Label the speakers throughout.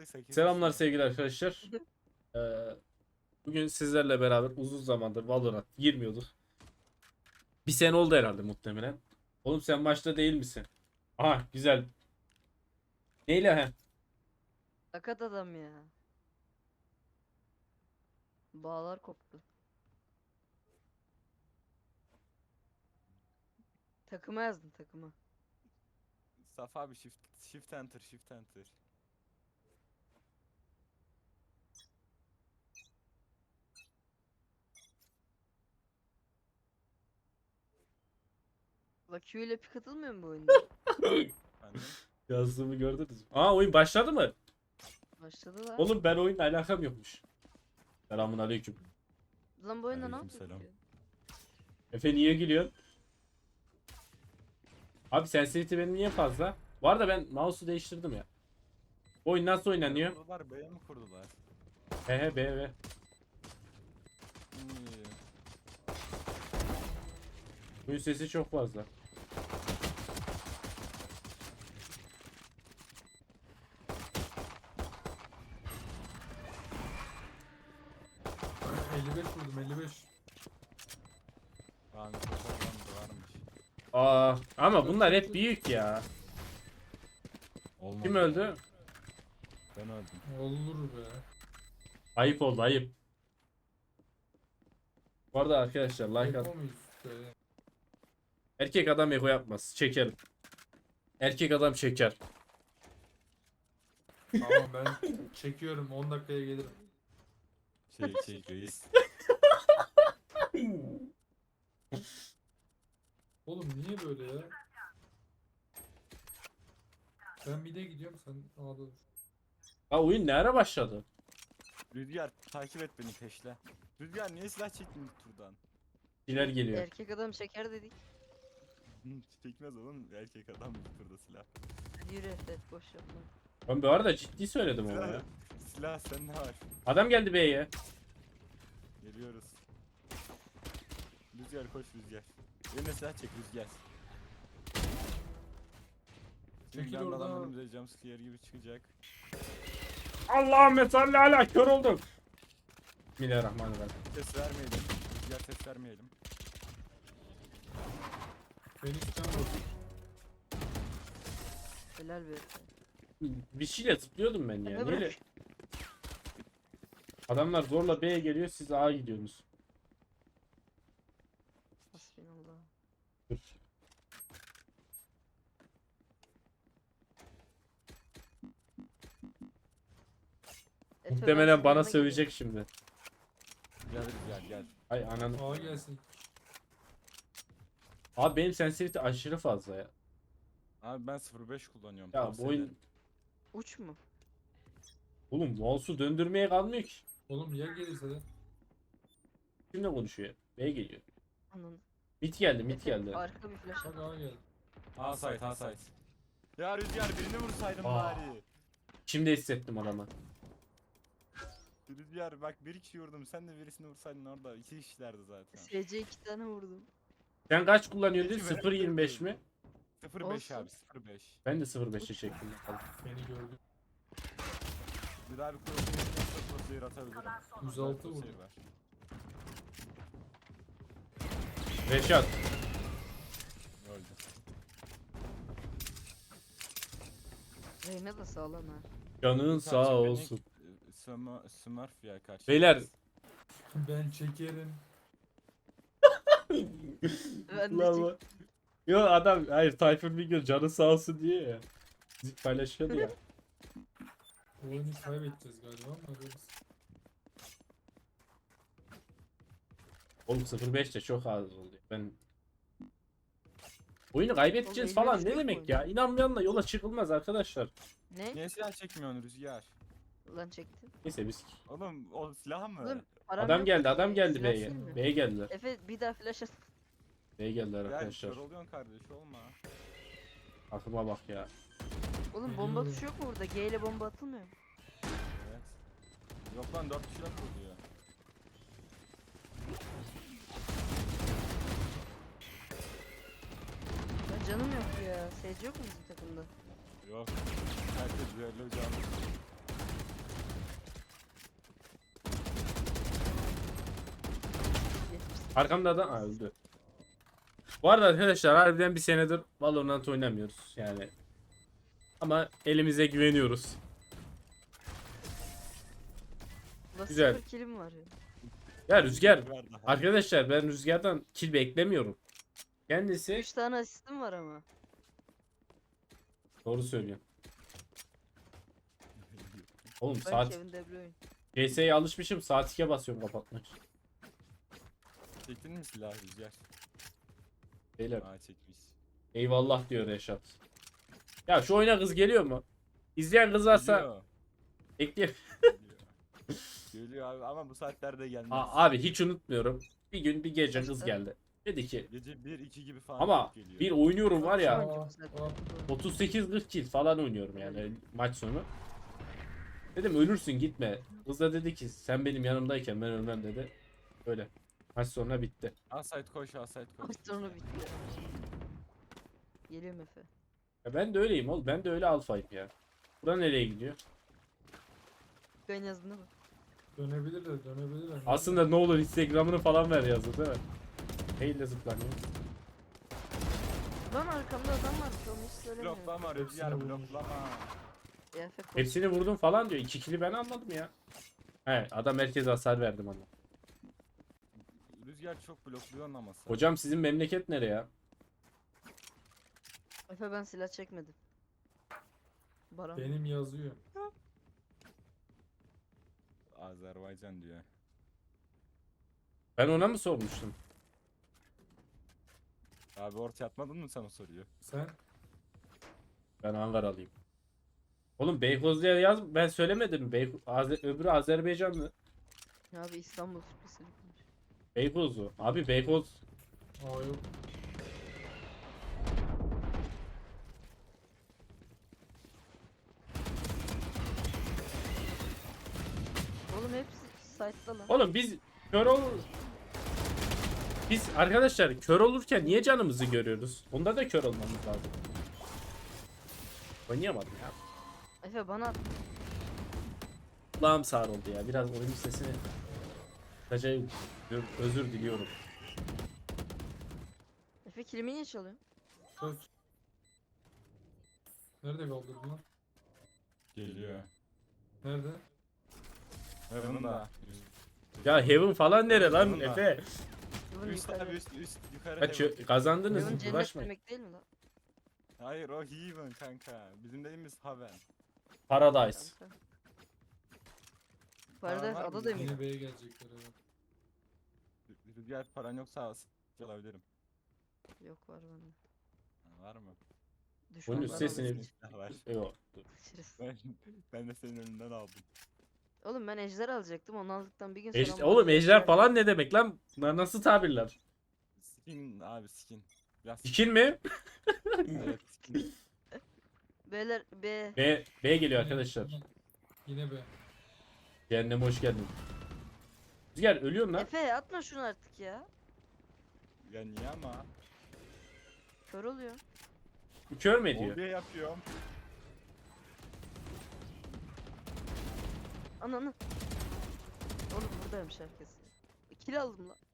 Speaker 1: 8.
Speaker 2: Selamlar sevgili arkadaşlar. Ee, Bugün sizlerle beraber uzun zamandır Valorant girmiyorduk. Bir sene oldu herhalde muhtemelen. Oğlum sen maçta değil misin? Aha güzel. Neyle he?
Speaker 3: Sakat adam ya. Bağlar koptu. Takıma yazdım takıma.
Speaker 1: Safa abi shift enter shift enter.
Speaker 3: La Q ile pik atılmıyor mu bu oyunda?
Speaker 1: Efendim?
Speaker 2: Yazdığımı gördünüz mü? Aa oyun başladı mı?
Speaker 3: Başladı da.
Speaker 2: Oğlum ben oyunla alakam yokmuş. Selamun aleyküm.
Speaker 3: Lan bu oyunda ne
Speaker 1: Aleykümselam.
Speaker 3: yapıyor?
Speaker 2: Efe niye gülüyorsun? Abi sensitivity benim niye fazla? Bu arada ben mouse'u değiştirdim ya. Bu oyun nasıl oynanıyor?
Speaker 1: Kurdular B'ye mi kurdular?
Speaker 2: He he be be.
Speaker 1: İyi.
Speaker 2: Oyun sesi çok fazla.
Speaker 4: Vurdum 55.
Speaker 1: Aa mikrofondan da varmış.
Speaker 2: Aa ama bunlar hep büyük ya.
Speaker 1: Olmadı.
Speaker 2: Kim öldü?
Speaker 1: Ben öldüm.
Speaker 4: Olur be.
Speaker 2: Ayıp oldu ayıp. Bu arada arkadaşlar like at.
Speaker 4: Eko muyuz be?
Speaker 2: Erkek adam ego yapmaz. Çekerim. Erkek adam çeker.
Speaker 4: Tamam ben çekiyorum 10 dakikaya gelirim.
Speaker 1: Şey reis.
Speaker 4: Oğlum niye böyle ya? Ben mid'e gidiyorum sen A'da dur.
Speaker 2: Ha oyun ne ara başladı?
Speaker 1: Rüzgar takip et beni peşle. Rüzgar niye silah çektin ilk turdan?
Speaker 2: Neler geliyor.
Speaker 3: Erkek adam çeker dedik.
Speaker 1: Çekmez oğlum erkek adam ilk turda silah.
Speaker 3: Hadi yürü Efe boş yapma.
Speaker 2: Ben bu arada ciddi söyledim ama ya.
Speaker 1: Silah sende var.
Speaker 2: Adam geldi B'ye.
Speaker 1: Geliyoruz. Rüzgar koş Rüzgar. Eline silah çek Rüzgar. Şimdi
Speaker 4: Çekil
Speaker 1: bir anda adam
Speaker 4: oradan.
Speaker 1: önümüze jumpscare gibi çıkacak.
Speaker 2: Allahümme salli ala kör oldum. Bismillahirrahmanirrahim.
Speaker 1: Ses vermeyelim. Rüzgar ses vermeyelim.
Speaker 4: Phoenix'ten vurdum.
Speaker 3: Helal be Efe.
Speaker 2: Bir şeyle zıplıyordum ben ya.
Speaker 3: Efe
Speaker 2: Neyle?
Speaker 3: bırak.
Speaker 2: Adamlar zorla B'ye geliyor siz A'ya gidiyorsunuz.
Speaker 3: Hasbinallah.
Speaker 2: Dur.
Speaker 3: Efe, ben
Speaker 2: Muhtemelen
Speaker 3: senin
Speaker 2: bana
Speaker 3: yanına
Speaker 2: sövecek şimdi.
Speaker 1: Gel Rüzgar gel.
Speaker 2: Ay ananı.
Speaker 4: A gelsin.
Speaker 2: Abi benim sensitivity aşırı fazla ya.
Speaker 1: Abi ben 05 kullanıyorum.
Speaker 2: Ya bu
Speaker 1: tavsiye
Speaker 2: oyun...
Speaker 1: ederim.
Speaker 3: Uç mu?
Speaker 2: Oğlum mouse'u döndürmeye kalmıyor ki.
Speaker 4: Oğlum ya gelirse de.
Speaker 2: Kimle konuşuyor? B geliyor.
Speaker 3: Anın.
Speaker 2: Mit geldi, mit
Speaker 3: Efe
Speaker 2: geldi.
Speaker 3: arka bir flash
Speaker 4: Bak
Speaker 3: at.
Speaker 4: A geldi.
Speaker 1: A site A site. Ya Rüzgar birini vursaydın
Speaker 2: Aa.
Speaker 1: bari.
Speaker 2: Şimdi hissettim adamı.
Speaker 1: Rüzgar bak bir kişi vurdum sen de birisini vursaydın orada 2 kişilerdi zaten.
Speaker 3: SC 2 tane vurdum.
Speaker 2: Sen kaç kullanıyordun?
Speaker 1: Peki, merak
Speaker 2: 0.25 mi?
Speaker 1: 05
Speaker 3: Olsun.
Speaker 1: abi 05.
Speaker 2: Ben de 0.5'e çektim. bakalım.
Speaker 4: Beni gördü.
Speaker 1: Bir daha bir crosshair atabilirim.
Speaker 4: 106
Speaker 1: Crosshair
Speaker 4: vurdu.
Speaker 1: var.
Speaker 2: Reşat.
Speaker 1: Öldü.
Speaker 3: Reyna da sağlam ha.
Speaker 2: Canın
Speaker 1: Sadece
Speaker 2: sağ
Speaker 1: beni-
Speaker 2: olsun.
Speaker 1: Smurf ya karşı.
Speaker 2: Beyler.
Speaker 4: Ben çekerim.
Speaker 3: Ben de
Speaker 2: Ulan
Speaker 3: çek.
Speaker 2: bu- Yo adam hayır Tayfun Bingöl canı sağ olsun diye ya. Müzik paylaşıyordu ya.
Speaker 4: Bu oyunu kaybedeceğiz galiba ama görürüz.
Speaker 2: Oğlum 0.5 de çok az oldu. Ben oyunu kaybedeceğiz
Speaker 3: Oğlum,
Speaker 2: falan
Speaker 3: 53
Speaker 2: ne
Speaker 3: yok
Speaker 2: demek
Speaker 3: oyunda.
Speaker 2: ya? İnanmayanla yola çıkılmaz arkadaşlar.
Speaker 3: Ne?
Speaker 1: Niye silah çekmiyorsun Rüzgar?
Speaker 3: Lan çektim.
Speaker 2: Neyse biz.
Speaker 1: Oğlum o silah mı?
Speaker 3: Oğlum param
Speaker 2: Adam
Speaker 3: yok
Speaker 2: geldi,
Speaker 3: ki.
Speaker 2: adam geldi
Speaker 3: Silah
Speaker 2: B'ye.
Speaker 3: sileyim mi?
Speaker 2: B'ye geldiler.
Speaker 3: Efe bir daha flash at.
Speaker 2: B'ye geldiler
Speaker 1: Gel
Speaker 2: arkadaşlar.
Speaker 1: kör oluyorsun kardeş olma.
Speaker 2: Aklıma bak ya.
Speaker 3: Oğlum bomba
Speaker 4: Geliyorum.
Speaker 3: tuşu yok mu burada? G ile bomba atılmıyor mu?
Speaker 1: Evet. Yok lan 4 kişiler kuruluyor.
Speaker 3: Ya canım yok ya. SC yok mu bizim takımda?
Speaker 1: Yok. Herkes düello canlı.
Speaker 2: Arkamda adam öldü. Bu arada arkadaşlar harbiden bir senedir Valorant oynamıyoruz yani. Ama elimize güveniyoruz.
Speaker 3: Ulan
Speaker 2: Güzel.
Speaker 3: 0 killim var ya.
Speaker 2: Ya Rüzgar,
Speaker 1: Var daha.
Speaker 2: arkadaşlar ben Rüzgar'dan kill beklemiyorum. Kendisi
Speaker 3: 3 tane asistim var ama.
Speaker 2: doğru söylüyor. Oğlum
Speaker 3: Ben
Speaker 2: saat
Speaker 3: Kevin De Bruyne.
Speaker 2: CS'ye alışmışım, saat 2'ye basıyorum kapatmak.
Speaker 1: Çektin mi silah Rüzgar?
Speaker 2: Beyler
Speaker 1: Aa çekmiş.
Speaker 2: eyvallah diyor Reşat. Ya şu oyuna kız geliyor mu? İzleyen kız varsa
Speaker 1: Geliyor.
Speaker 2: ekleyin.
Speaker 1: Geliyor. Geliyor abi ama bu saatlerde gelmez.
Speaker 2: Abi hiç unutmuyorum. Bir gün bir gece kız
Speaker 3: Kaçta?
Speaker 2: geldi. Dedi ki
Speaker 1: Gece 1-2 gibi falan
Speaker 2: ama
Speaker 1: geliyor.
Speaker 2: bir oynuyorum var
Speaker 3: Şu
Speaker 2: ya
Speaker 3: an çok güzel.
Speaker 2: 38-40 kill falan oynuyorum yani maç sonu. Dedim ölürsün gitme. Kız da dedi ki sen benim yanımdayken ben ölmem dedi. Öyle. Maç sonra bitti.
Speaker 1: Asayt koş, asayt koş.
Speaker 3: Maç sonu bitti. Geliyorum Efe.
Speaker 2: Ya ben de öyleyim oğlum. Ben de öyle alfayım ya. Bura nereye gidiyor?
Speaker 3: Ben yazdın mı?
Speaker 4: Dönebilirler, dönebilirler.
Speaker 2: Aslında ne olur Instagram'ını falan ver yazdı değil mi? Neyle zıplanıyor?
Speaker 3: Lan arkamda adam var. Onu hiç söylemiyorum.
Speaker 1: Bloklama Rüzgar,
Speaker 4: Hepsini vurmuş.
Speaker 1: bloklama.
Speaker 3: Ya Efe koş.
Speaker 2: Hepsini vurdum falan diyor. 2 kill'i ben almadım ya. He adam herkese hasar verdim ama.
Speaker 1: Rüzgar çok blokluyorsun ama sen.
Speaker 2: Hocam sizin memleket nereye ya?
Speaker 3: Efe ben silah çekmedim. Baran.
Speaker 4: Benim yazıyor.
Speaker 1: Azerbaycan diyor.
Speaker 2: Ben ona mı sormuştum?
Speaker 1: Abi ortaya atmadın mı sen o soruyu?
Speaker 4: Sen?
Speaker 2: Ben Ankaralıyım. Oğlum Beykoz diye yaz ben söylemedim mi? Öbürü Azerbaycanlı.
Speaker 3: Abi İstanbul spesifik.
Speaker 2: Beykozlu. Abi Beykoz.
Speaker 4: Aa yok.
Speaker 3: Oğlum hepsi site'da lan.
Speaker 2: Oğlum biz kör ol. Biz arkadaşlar kör olurken niye canımızı görüyoruz? Onda da kör olmamız lazım. Oynayamadım ya.
Speaker 3: Efe bana at.
Speaker 2: Kulağım sağır oldu ya. Biraz oyun sesini acayip özür diliyorum.
Speaker 3: Efe kilimi niye çalıyorsun?
Speaker 4: Söz. Nerede kaldırdın lan?
Speaker 1: Geliyor.
Speaker 4: Nerede?
Speaker 1: Heaven da.
Speaker 2: Ya Heaven falan nere lan
Speaker 1: Bunlar.
Speaker 2: Efe?
Speaker 3: Yılın
Speaker 1: Üst
Speaker 3: yukarı.
Speaker 1: abi üst yukarı
Speaker 2: Kaç
Speaker 1: Heaven.
Speaker 2: kazandınız
Speaker 3: Yılın
Speaker 2: mı?
Speaker 3: cennet
Speaker 2: Uğraşmayın.
Speaker 3: demek değil mi lan?
Speaker 1: Hayır o Heaven kanka. Bizim dediğimiz Haven.
Speaker 2: Paradise.
Speaker 3: Kanka. Paradise
Speaker 1: var mı?
Speaker 3: ada demek.
Speaker 4: Yine B'ye gelecekler evet.
Speaker 1: Rüzgar paran yoksa alabilirim.
Speaker 3: Yok var bende.
Speaker 1: Ha, var mı?
Speaker 3: Düşman
Speaker 2: üst
Speaker 3: var
Speaker 2: sesini-
Speaker 3: orada.
Speaker 1: Silah var.
Speaker 2: Yok. dur.
Speaker 3: Kaçırız.
Speaker 1: Ben de senin önünden aldım.
Speaker 3: Oğlum ben ejder alacaktım. Onu aldıktan bir gün sonra...
Speaker 2: Oğlum
Speaker 3: bana
Speaker 2: ejder falan ne demek lan? Bunlar nasıl tabirler?
Speaker 1: Skin abi skin. Biraz
Speaker 2: Skin mi?
Speaker 1: Evet skin.
Speaker 3: Beyler B.
Speaker 2: B geliyor arkadaşlar.
Speaker 4: Yine B.
Speaker 2: Cehenneme hoş geldin. Rüzgar ölüyorsun lan.
Speaker 3: Efe atma şunu artık ya.
Speaker 1: Ya niye ama?
Speaker 3: Kör oluyor.
Speaker 2: Kör mü ediyor?
Speaker 1: Oraya yapıyorum.
Speaker 3: Ananı. Oğlum buradaymış herkes. Kill aldım lan.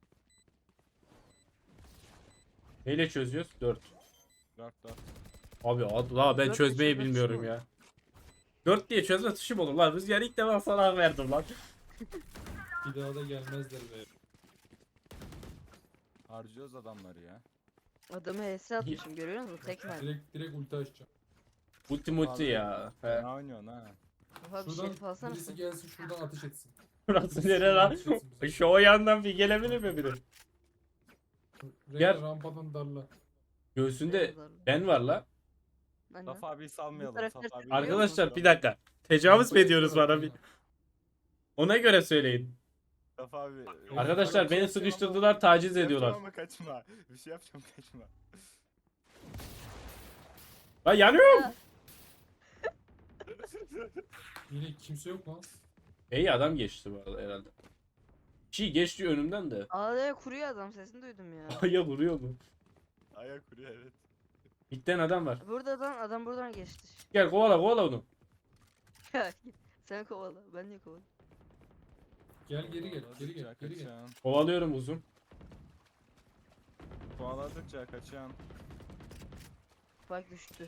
Speaker 2: Neyle çözüyoruz? 4.
Speaker 1: 4.
Speaker 2: Abi Allah ben
Speaker 3: Dört
Speaker 2: çözmeyi
Speaker 3: tuşu, dört
Speaker 2: bilmiyorum
Speaker 3: tuşu mu?
Speaker 2: ya. 4 diye çözme tuşum olur lan. Rüzgar ilk defa sana hak verdim lan.
Speaker 4: Bir daha da gelmezler be.
Speaker 1: Harcıyoruz adamları ya.
Speaker 3: Adamı HS atmışım görüyor musun? Tek mermi.
Speaker 4: Direkt ulti açacağım.
Speaker 2: Ulti ya. He.
Speaker 1: Ne oynuyorsun ha?
Speaker 3: Oha bir
Speaker 4: Şuradan
Speaker 3: şerif alsana
Speaker 4: birisi
Speaker 3: sen.
Speaker 4: gelsin şuradan ateş etsin.
Speaker 2: Burası nere lan? Şu o yandan bir gelebilir mi biri? Gel.
Speaker 4: Rengar rampadan darla.
Speaker 2: Göğsünde ben var la.
Speaker 3: Anne.
Speaker 1: Safa abiyi salmayalım.
Speaker 3: karakter
Speaker 1: Safa abiyi
Speaker 3: Biliyor
Speaker 2: Arkadaşlar bir dakika. Tecavüz mü ediyoruz bana bir? Ona göre söyleyin.
Speaker 1: Safa abi.
Speaker 2: Arkadaşlar beni sıkıştırdılar, taciz ediyorlar.
Speaker 1: Yapacağım ama kaçma. Bir şey yapacağım kaçma.
Speaker 2: Lan yanıyorum.
Speaker 4: Yine kimse yok lan.
Speaker 2: İyi adam geçti bu arada herhalde. Çiğ geçti önümden de.
Speaker 3: Ağlaya kuruyor adam sesini duydum ya.
Speaker 2: Aya vuruyor mu?
Speaker 1: Ayak kuruyor evet.
Speaker 2: Bitten adam var.
Speaker 3: Adam buradan geçti.
Speaker 2: Gel kovala onu.
Speaker 3: Sen kovala ben niye kovalayayım?
Speaker 4: Gel geri gel. Geri gel. Geri gel.
Speaker 1: Kaçan.
Speaker 2: Kovalıyorum uzun.
Speaker 1: Kovaladıkça kaçan.
Speaker 3: Bak düştü.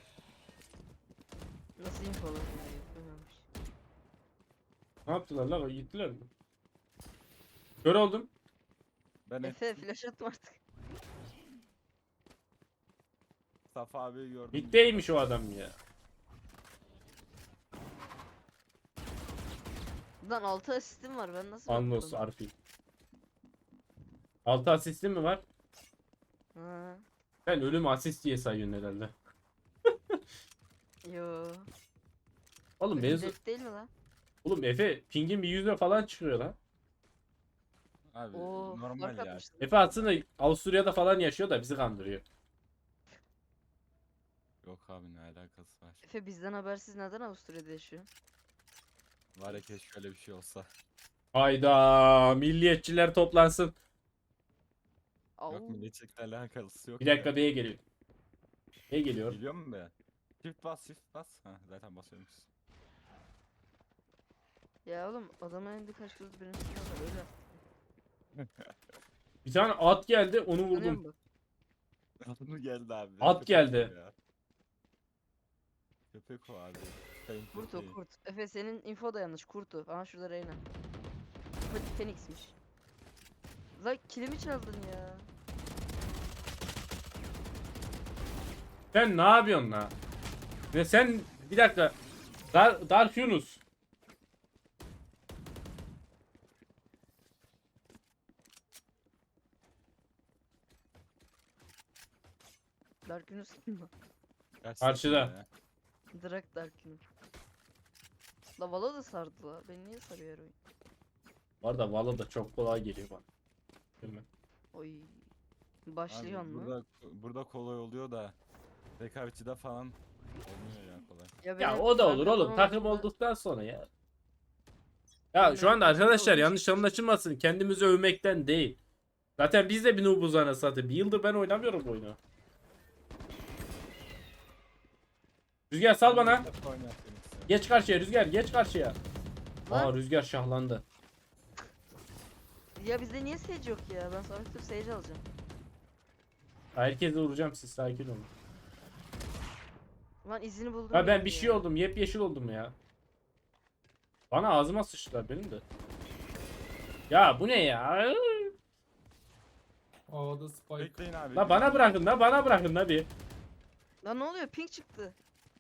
Speaker 3: Nasıl info alabilir? Yapamamış.
Speaker 2: Ne yaptılar lan? Gittiler mi? Kör oldum.
Speaker 1: Ben
Speaker 3: Efe flash atma artık.
Speaker 1: Safa abiyi gördüm.
Speaker 2: Middeymiş o adam ya.
Speaker 3: Lan 6 asistim var ben nasıl
Speaker 2: Anlos
Speaker 3: bakmadım?
Speaker 2: Arfi. 6 asistin mi var?
Speaker 3: Ha.
Speaker 2: Sen ölüm asist diye sayıyorsun herhalde.
Speaker 3: Yo.
Speaker 2: Oğlum
Speaker 3: Ölüm
Speaker 2: mevzu...
Speaker 3: dert değil mi lan?
Speaker 2: Oğlum Efe pingin bir yüzde falan çıkıyor lan.
Speaker 1: Abi
Speaker 3: Oo,
Speaker 1: normal
Speaker 3: fark
Speaker 1: ya.
Speaker 3: atmıştım.
Speaker 2: Efe aslında Avusturya'da falan yaşıyor da bizi kandırıyor.
Speaker 1: Yok abi ne alakası var.
Speaker 3: Efe bizden habersiz neden Avusturya'da yaşıyor?
Speaker 1: Var ya keşke öyle bir şey olsa.
Speaker 2: Hayda milliyetçiler toplansın.
Speaker 3: Au.
Speaker 1: Yok milliyetçilikle alakası yok
Speaker 2: Bir dakika
Speaker 1: ya.
Speaker 2: B'ye geliyor. B'ye geliyor.
Speaker 1: Biliyor musun be? Shift bas shift bas. Ha zaten basıyormuş.
Speaker 3: Ya oğlum adamın elinde kaç kız benim silahım var öyle.
Speaker 2: Bir tane at geldi onu
Speaker 3: Tanıyor
Speaker 2: vurdum.
Speaker 3: musun?
Speaker 1: Adını geldi abi.
Speaker 2: At
Speaker 1: Köpek
Speaker 2: geldi.
Speaker 1: o ya. Köpek o abi. Sayın
Speaker 3: Kurt
Speaker 1: köpeği.
Speaker 3: o kurt. Efe senin info da yanlış kurtu. Aha şurada Reyna. Phoenix'miş. La kilimi çaldın ya.
Speaker 2: Sen ne yapıyorsun la? Ve sen bir dakika. Dark Yunus.
Speaker 3: Dark Yunus kim lan?
Speaker 1: Gerçekten
Speaker 2: Karşıda.
Speaker 1: ya.
Speaker 3: Drak Dark Yunus. La Valo da sardı la. Beni niye sarıyor her oyun?
Speaker 2: Bu arada Valla da çok kolay geliyor bana. Değil mi?
Speaker 3: Oy.
Speaker 1: Abi
Speaker 3: Başlıyor mu?
Speaker 1: burada kolay oluyor da rekabetçide falan olmuyor ya kolay.
Speaker 2: Ya
Speaker 3: benim
Speaker 2: o da olur
Speaker 3: kanka
Speaker 2: oğlum takım
Speaker 3: zamanında-
Speaker 2: olduktan sonra ya. Ya
Speaker 3: Benim
Speaker 2: şu anda
Speaker 3: takımda
Speaker 2: arkadaşlar
Speaker 3: olduğu
Speaker 2: yanlış
Speaker 3: için-
Speaker 2: anlaşılmasın. Kendimizi övmekten değil. Zaten biz de bir noobuz anasını satayım. Bir yıldır ben oynamıyorum bu oyunu. Rüzgar sal bana.
Speaker 1: Hep oynayan Phoenix'i.
Speaker 2: Geç karşıya Rüzgar geç karşıya.
Speaker 3: Lan.
Speaker 2: Aa Rüzgar şahlandı.
Speaker 3: Ya bizde niye Sage yok ya? Ben sonra tutup Sage alacağım.
Speaker 2: Herkese vuracağım siz sakin olun.
Speaker 3: Lan izini buldum.
Speaker 2: Ha ben
Speaker 3: yine
Speaker 2: bir
Speaker 3: ya.
Speaker 2: şey oldum yepyeşil oldum ya. Bana ağzıma sıçtılar benim de. Ya bu ne ya?
Speaker 4: A'da Spike.
Speaker 1: Bekleyin abi.
Speaker 2: La bana bırakın la bana bırakın la bir.
Speaker 3: Lan ne oluyor? Pink çıktı.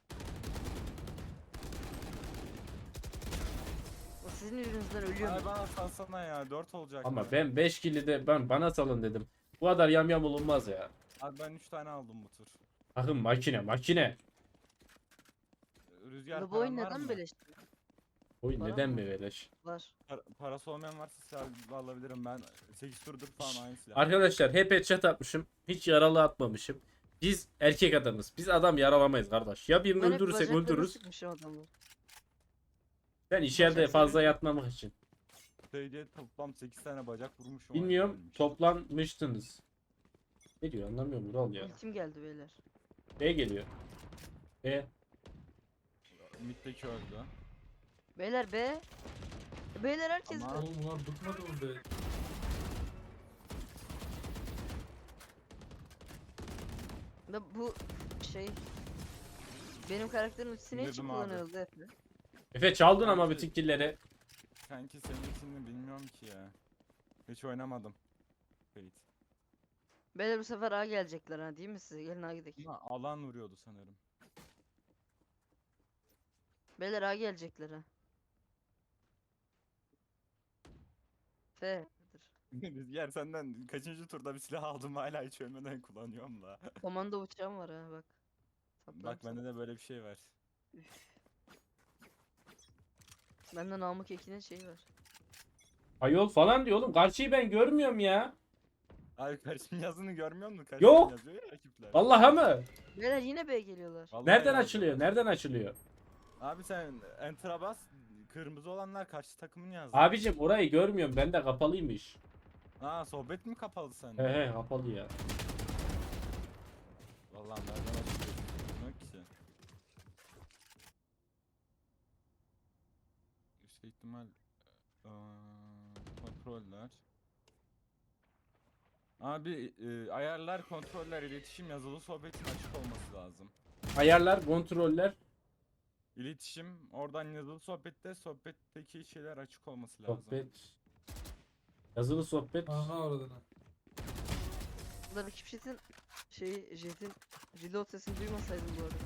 Speaker 3: O sizin yüzünüzden ölüyorum.
Speaker 1: Abi bana salsana ya 4 olacak.
Speaker 2: Ama
Speaker 1: ya.
Speaker 2: ben 5 kill'i de bana salın dedim. Bu kadar yamyam olunmaz ya.
Speaker 1: Abi ben 3 tane aldım bu tur.
Speaker 2: Bakın makine.
Speaker 1: Rüzgar
Speaker 3: La bu oyun
Speaker 1: paran var
Speaker 3: neden
Speaker 1: mı?
Speaker 3: beleş?
Speaker 2: Oyun
Speaker 3: Bana
Speaker 2: neden
Speaker 3: mı?
Speaker 2: mi beleş?
Speaker 3: Var.
Speaker 1: Parası olmayan varsa silah alabilirim ben 8 turdur falan aynı silah.
Speaker 2: Arkadaşlar hep headshot atmışım. Hiç yaralı atmamışım. Biz erkek adamız. Biz adam yaralamayız kardeş. Ya birini
Speaker 3: Ben hep
Speaker 2: öldürürsek
Speaker 3: bacaklarını
Speaker 2: öldürürüz.
Speaker 3: sıkmışım adamı.
Speaker 2: Ben içeride
Speaker 3: Bacak
Speaker 2: fazla
Speaker 3: seviyorum.
Speaker 2: yatmamak için.
Speaker 1: Şeyde toplam 8 tane bacak vurmuşum.
Speaker 2: Bilmiyorum
Speaker 1: ölmüş.
Speaker 2: toplanmıştınız. Ne diyor anlamıyorum Vural ya.
Speaker 3: Ultim geldi beyler.
Speaker 2: B geliyor. B.
Speaker 1: Mid'deki öldü.
Speaker 3: Beyler be. Beyler herkes
Speaker 1: Ama-
Speaker 3: be.
Speaker 4: Oğlum bunlar bıkmadı mı be?
Speaker 3: Da bu şey benim karakterin ultisini ne için
Speaker 1: Bildim abi.
Speaker 3: kullanıyordu Efe?
Speaker 2: Efe çaldın ama
Speaker 1: Sanki-
Speaker 2: bütün killleri.
Speaker 1: Sanki senin için mi bilmiyorum ki ya. Hiç oynamadım. Fate.
Speaker 3: Beyler bu sefer A gelecekler ha değil mi size? Gelin A gidelim.
Speaker 1: Ama alan vuruyordu sanırım.
Speaker 3: Beyler A gelecekler ha. F.
Speaker 1: Rüzgar senden kaçıncı turda bir silah aldım hala hiç ölmeden kullanıyorum da.
Speaker 3: Komando uçağım var ha bak. Saplarım
Speaker 1: Bak
Speaker 3: sana.
Speaker 1: bende de böyle bir şey var.
Speaker 3: Bende Namık Ekin'in şeyi var.
Speaker 2: Ayol falan diyor oğlum. Karşıyı ben görmüyorum ya.
Speaker 1: Abi karşımın yazını görmüyor musun?
Speaker 2: Yok.
Speaker 1: Yazıyor ya rakipler.
Speaker 2: Vallahi mı?
Speaker 3: Beyler yine B geliyorlar.
Speaker 1: Vallahi
Speaker 2: Nereden
Speaker 1: yazıyor.
Speaker 2: açılıyor? Nereden açılıyor?
Speaker 1: Abi sen enter'a bas. Kırmızı olanlar karşı takımın yazdı.
Speaker 2: Abicim orayı görmüyorum. Bende kapalıymış.
Speaker 1: Aa sohbet mi kapalı sende?
Speaker 2: He he kapalı ya.
Speaker 1: Vallahi nereden açılıyor? Bilmiyorum ki. Yüksek ihtimal kontroller. Abi ayarlar, kontroller, iletişim, yazılı sohbetin açık olması lazım.
Speaker 2: Ayarlar, kontroller,
Speaker 1: İletişim, oradan yazılı sohbette, sohbetteki şeyler açık olması lazım.
Speaker 2: sohbet. Yazılı sohbet.
Speaker 4: Aha oradan.
Speaker 3: Burada rakip jetin jetin reload sesini duymasaydım bu arada.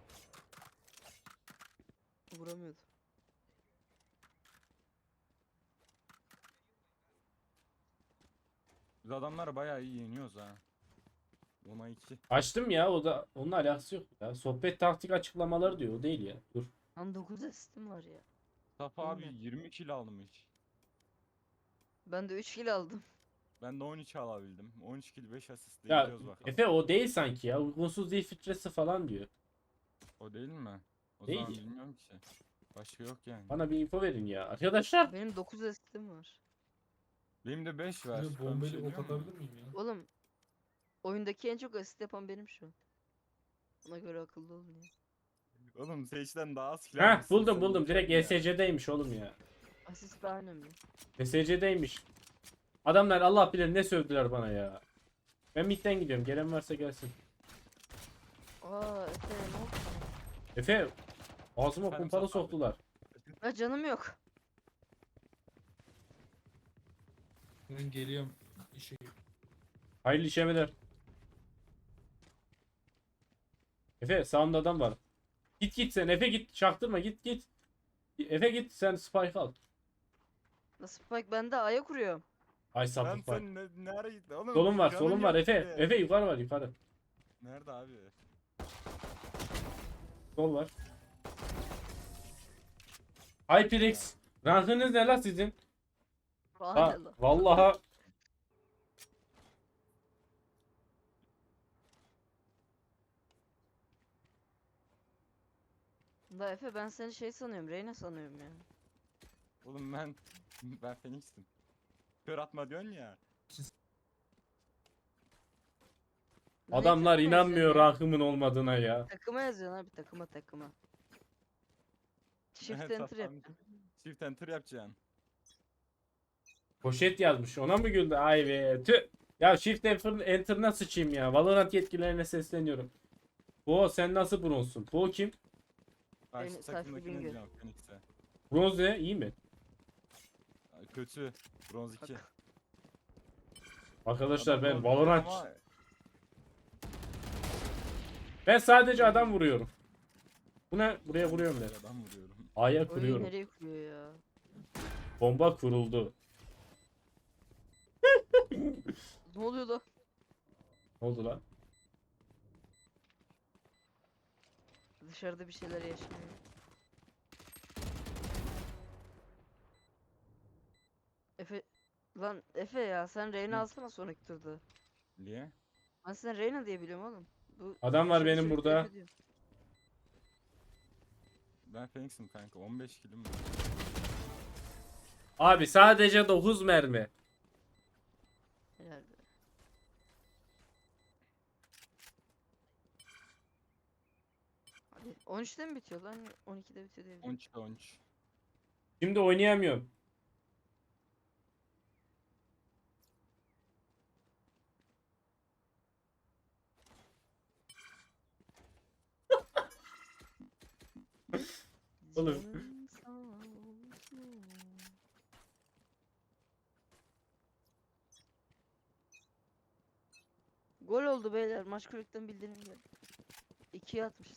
Speaker 3: Vuramıyordu.
Speaker 1: Biz adamları bayağı iyi yeniyoruz ha. 10'a 2.
Speaker 2: Açtım ya, o da onunla alakası yok ya. Sohbet taktik açıklamaları diyor, o değil ya. Dur.
Speaker 3: Lan 9 asistim var ya.
Speaker 1: Mustafa abi
Speaker 3: Aynen.
Speaker 1: 20 kill almış.
Speaker 3: Ben de 3 kill aldım.
Speaker 1: Ben de 13 alabildim. 13 kill 5 asist
Speaker 2: Ya
Speaker 1: gidiyoruz bakalım.
Speaker 2: Efe o değil sanki ya. Uygunsuz değil filtresi falan diyor.
Speaker 1: O değil mi? O
Speaker 2: Değil.
Speaker 1: zaman bilmiyorum ki. Başka yok yani.
Speaker 2: Bana bir info verin ya. Arkadaşlar.
Speaker 3: Benim 9 asistim var.
Speaker 1: Benim de 5 var.
Speaker 4: Yine
Speaker 1: Ben bir
Speaker 4: bombayla
Speaker 1: şey
Speaker 4: ok
Speaker 1: diyor muyum?
Speaker 4: atabilir miyim ya?
Speaker 3: Oğlum oyundaki en çok asist yapan benim şu an. Ona göre akıllı olun ya.
Speaker 1: Oğlum Sage'den daha az kill
Speaker 2: Heh,
Speaker 1: almışsın
Speaker 2: buldum
Speaker 1: sen
Speaker 2: buldum.
Speaker 1: yeter
Speaker 2: Direkt
Speaker 1: ya.
Speaker 2: ESC'deymiş oğlum ya.
Speaker 3: Asist daha önemli.
Speaker 2: ESC'deymiş. Adamlar Allah bilir ne sövdüler bana ya. Ben midden gidiyorum. Gelen varsa gelsin.
Speaker 3: Aa Efe ne oldu sana?
Speaker 2: Efe ağzıma
Speaker 1: Efendim,
Speaker 2: kumpalı
Speaker 1: Mustafa abi.
Speaker 2: soktular.
Speaker 3: Ha canım yok.
Speaker 4: Ben geliyorum. İşe
Speaker 2: Hayırlı işlemeler. Efe sağımda adam var. Git git sen Efe git. Çaktırma git git. Efe git sen spike al.
Speaker 3: Nasıl Spike ben de A'ya kuruyorum.
Speaker 2: Ay
Speaker 1: Lan
Speaker 2: sapık var.
Speaker 1: sen nereye gittin oğlum?
Speaker 2: Solun var
Speaker 1: Canın
Speaker 2: solun var
Speaker 1: yok
Speaker 2: Efe.
Speaker 1: bir de.
Speaker 2: Efe yukarı var yukarı.
Speaker 1: Nerede abi?
Speaker 2: Sol var. HyperX. Rankınız ne la sizin? Ha,
Speaker 3: Aynen lan.
Speaker 2: vallaha
Speaker 3: Da Efe ben seni şey sanıyorum. Reyna sanıyorum ya.
Speaker 1: Oğlum ben Phoenix'tim. Kör atma diyorsun ya.
Speaker 3: Niye
Speaker 2: adamlar
Speaker 3: takıma
Speaker 2: inanmıyor
Speaker 3: yazıyorsun ya?
Speaker 2: rankımın olmadığına ya.
Speaker 3: Takıma yazıyorsun abi takıma. Shift
Speaker 1: Evet,
Speaker 3: enter
Speaker 1: tamam.
Speaker 3: yapacaksın.
Speaker 1: Shift enter yapacaksın.
Speaker 2: Poşet yazmış. Ona mı güldü? Ay be. Tüh. Ya Shift Enter'ına sıçayım ya. Valorant yetkililerine sesleniyorum. Bu sen nasıl bronzsun? Bu kim?
Speaker 1: Karşı
Speaker 3: Sayfa
Speaker 1: takımdakine
Speaker 3: Bingöl.
Speaker 1: diyorum Phoenix'e.
Speaker 2: Bronz ne? İyi mi?
Speaker 1: Ay, kötü. Bronz 2.
Speaker 2: Arkadaşlar ben
Speaker 1: Adam
Speaker 2: Valorant.
Speaker 1: ama
Speaker 2: Ben sadece adam vuruyorum. Bu ne? Buraya vuruyorum ben.
Speaker 1: adam vuruyorum.
Speaker 2: A'ya
Speaker 3: Oyun
Speaker 2: kuruyorum.
Speaker 3: nereye kuruyor ya?
Speaker 2: Bomba kuruldu.
Speaker 3: Ne oluyor lan?
Speaker 2: Ne oldu lan?
Speaker 3: Dışarıda bir şeyler yaşanıyor. Efe lan Efe ya sen Reyna
Speaker 1: Hı.
Speaker 3: alsana sonraki turda.
Speaker 1: Niye?
Speaker 3: Ben sen Reyna diye biliyorum oğlum. Bu
Speaker 2: Adam var
Speaker 3: dışarı
Speaker 2: benim
Speaker 3: sürekli
Speaker 2: burada.
Speaker 3: Efe diyor.
Speaker 1: Ben Phoenix'im kanka. 15 killim var.
Speaker 2: Abi sadece 9 mermi.
Speaker 3: Herhalde. Hadi 13'te mi bitiyor lan? 12'de bitiyor diye biliyorum.
Speaker 1: 13'te 13.
Speaker 2: Şimdi oynayamıyorum. Oğlum.
Speaker 3: Canın sağ olsun. Gol oldu beyler. Maç kulüpten bildirim geldi. 2'ye atmışız.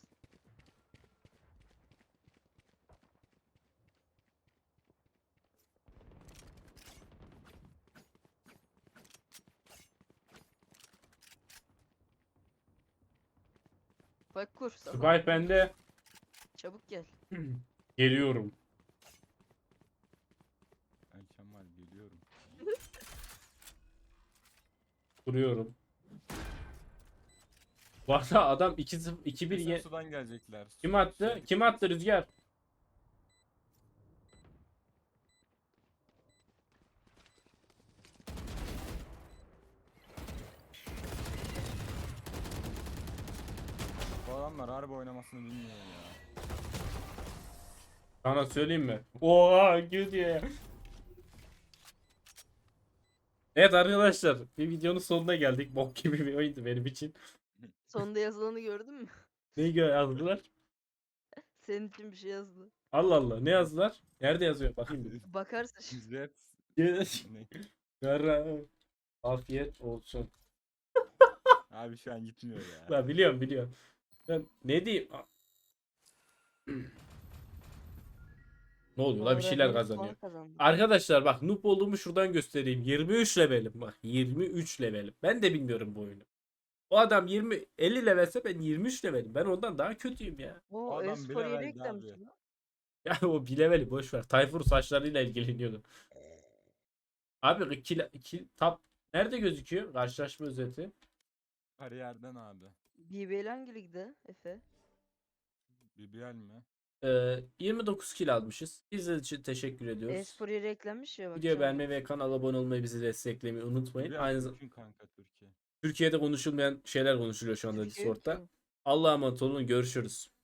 Speaker 3: Bak kur. Safa.
Speaker 2: Skype bende.
Speaker 3: Çabuk gel.
Speaker 2: Geliyorum.
Speaker 1: Ben Kemal geliyorum.
Speaker 2: Duruyorum. Bu arada adam 2-1
Speaker 1: Bizim sudan gelecekler.
Speaker 2: Kim attı? Kim attı Rüzgar?
Speaker 1: Bu adamlar harbi oynamasını bilmiyor ya.
Speaker 2: Sana söyleyeyim mi? Oha gül diye. Evet arkadaşlar, bir videonun sonuna geldik. Bok gibi bir oyundu benim için.
Speaker 3: Sonunda yazılanı gördün mü?
Speaker 2: Neyi yazdılar?
Speaker 3: Senin için bir şey yazdı.
Speaker 2: Allah Allah, ne yazdılar? Nerede yazıyor? Bakayım bir.
Speaker 3: Bakarsın şimdi.
Speaker 1: İzzet. Ne?
Speaker 2: Yara, afiyet olsun.
Speaker 1: Abi şu an gitmiyor ya.
Speaker 2: Ben biliyorum. Ben ne diyeyim? Ne oluyor la, bir şeyler
Speaker 3: Henüz
Speaker 2: kazanıyor.
Speaker 3: puan kazandı.
Speaker 2: Arkadaşlar bak, noob olduğumu şuradan göstereyim. 23 levelim bak. 23 levelim. Ben de bilmiyorum bu oyunu. O adam 50 levelse ben 23 levelim. Ben ondan daha kötüyüm ya.
Speaker 3: O
Speaker 1: adam
Speaker 3: e-spor
Speaker 1: bile
Speaker 3: yeri
Speaker 1: verdi
Speaker 3: eklenmiş
Speaker 1: abi.
Speaker 3: lan.
Speaker 2: Ya o bir leveli boş ver. Tayfur saçlarıyla ilgileniyordu. Abi tap nerede gözüküyor? Karşılaşma özeti.
Speaker 1: Kariyerden abi.
Speaker 3: BBL hangi ligde Efe?
Speaker 1: BBL mi?
Speaker 2: 29 kill almışız. İzlediğiniz için teşekkür ediyoruz.
Speaker 3: E-spor yeri eklenmiş ya
Speaker 2: Video
Speaker 3: bakacağım.
Speaker 2: beğenmeyi ve kanala abone olmayı, bizi desteklemeyi unutmayın.
Speaker 1: BBL
Speaker 2: Aynı zamanda
Speaker 1: mümkün kanka Türkiye.
Speaker 2: Türkiye'de konuşulmayan şeyler konuşuluyor şu anda
Speaker 3: Türkiye
Speaker 2: Discord'da.
Speaker 3: yok ki.
Speaker 2: Allah'a emanet olun. Görüşürüz.